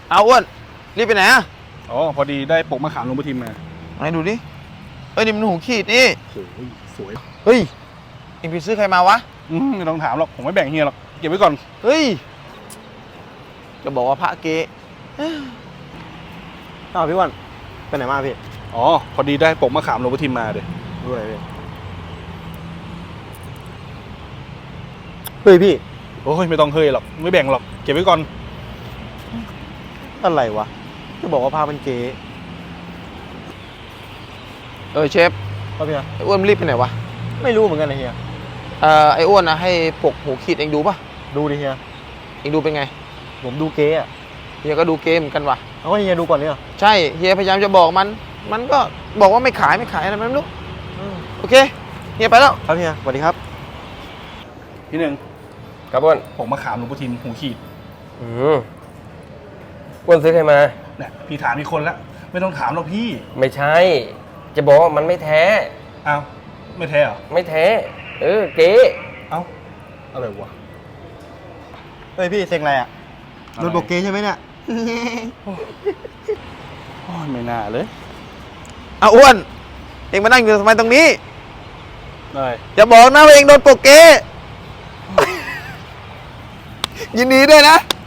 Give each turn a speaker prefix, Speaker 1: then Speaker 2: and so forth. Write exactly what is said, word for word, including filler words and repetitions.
Speaker 1: เอาอ้วนรีบไปไหนอ่ะ
Speaker 2: อ๋อพอดีได้ปกมะขามลงไปทิมมา
Speaker 1: ไหนดูดิเอ้ยนี่มันหูขีดนี่
Speaker 2: โอ้ยสวย
Speaker 1: เฮ้ยเอ็งไปซื้อใครมาวะ
Speaker 2: อืมไม่ต้องถามหรอกผมไม่แบ่งเฮียหรอกเก็บไว้ก่อน
Speaker 1: เฮ้ยจะบอกว่าพระเก๊
Speaker 3: อ้าวพี่วันไปไหนมาพี่
Speaker 2: อ๋อพอดีได้ปกมะขามลงไปทิมมาเดี๋ย
Speaker 3: ดูอะไรพี่เฮ้ยพี่
Speaker 2: โอ้ยไม่ต้องเฮ้ยหรอกไม่แบ่งหรอกเก็บไว้ก่อน
Speaker 3: อะไรวะจะบอกว่าพาเป็นเก๋
Speaker 1: เออเชฟ
Speaker 3: ครับพี่
Speaker 1: ไอ้อ้วนรีบไปไหนวะ
Speaker 3: ไม่รู้เหมือนกันนะเฮีย
Speaker 1: เอ่อไอ้อ้วนนะให้ปกหูขีดเอ็งดูป่ะ
Speaker 3: ดูดิเฮีย
Speaker 1: เอ็งดูเป็นไง
Speaker 3: ผมดูเก๋อะ
Speaker 1: เฮียก็ดูเกมเหมือนกันว่ะ
Speaker 3: เอาว่าเฮียดูก่อนเนี่ย
Speaker 1: ใช่เฮียพยายามจะบอกมันมันก็บอกว่าไม่ขายไม่ขายอะไรไม่รู้โอเคเฮียไปแล้ว
Speaker 3: ครับเฮียสวัสดีครับ
Speaker 2: พี่หนึ่ง
Speaker 4: ครับอ้วน
Speaker 2: ปกมะขามลงไปทิมหูขีด
Speaker 4: อืมอ้วนซื้อใครมา
Speaker 2: เนี่ยพี่ถามมีคนแล้วไม่ต้องถามหรอกพี่
Speaker 4: ไม่ใช่จะบอกว่ามันไม่แท้
Speaker 2: อ้าวไม่แท้เหรอ
Speaker 4: ไม่แท้เออเก๋
Speaker 2: เอ้าอะไรวะ
Speaker 3: เฮ้ยพี่เซ็งอะไรอ่ะโดนบอกเก๋ใช่ไหมเนี่ย
Speaker 2: โอ้ยไม่น่าเลย
Speaker 1: เอาอ้วนเอ็งมานั่งอยู่ทำไมตรงนี้
Speaker 2: ได้
Speaker 1: อย่าบอกนะว่าเอ็งโดนโปกเกยินดีด้วยนะ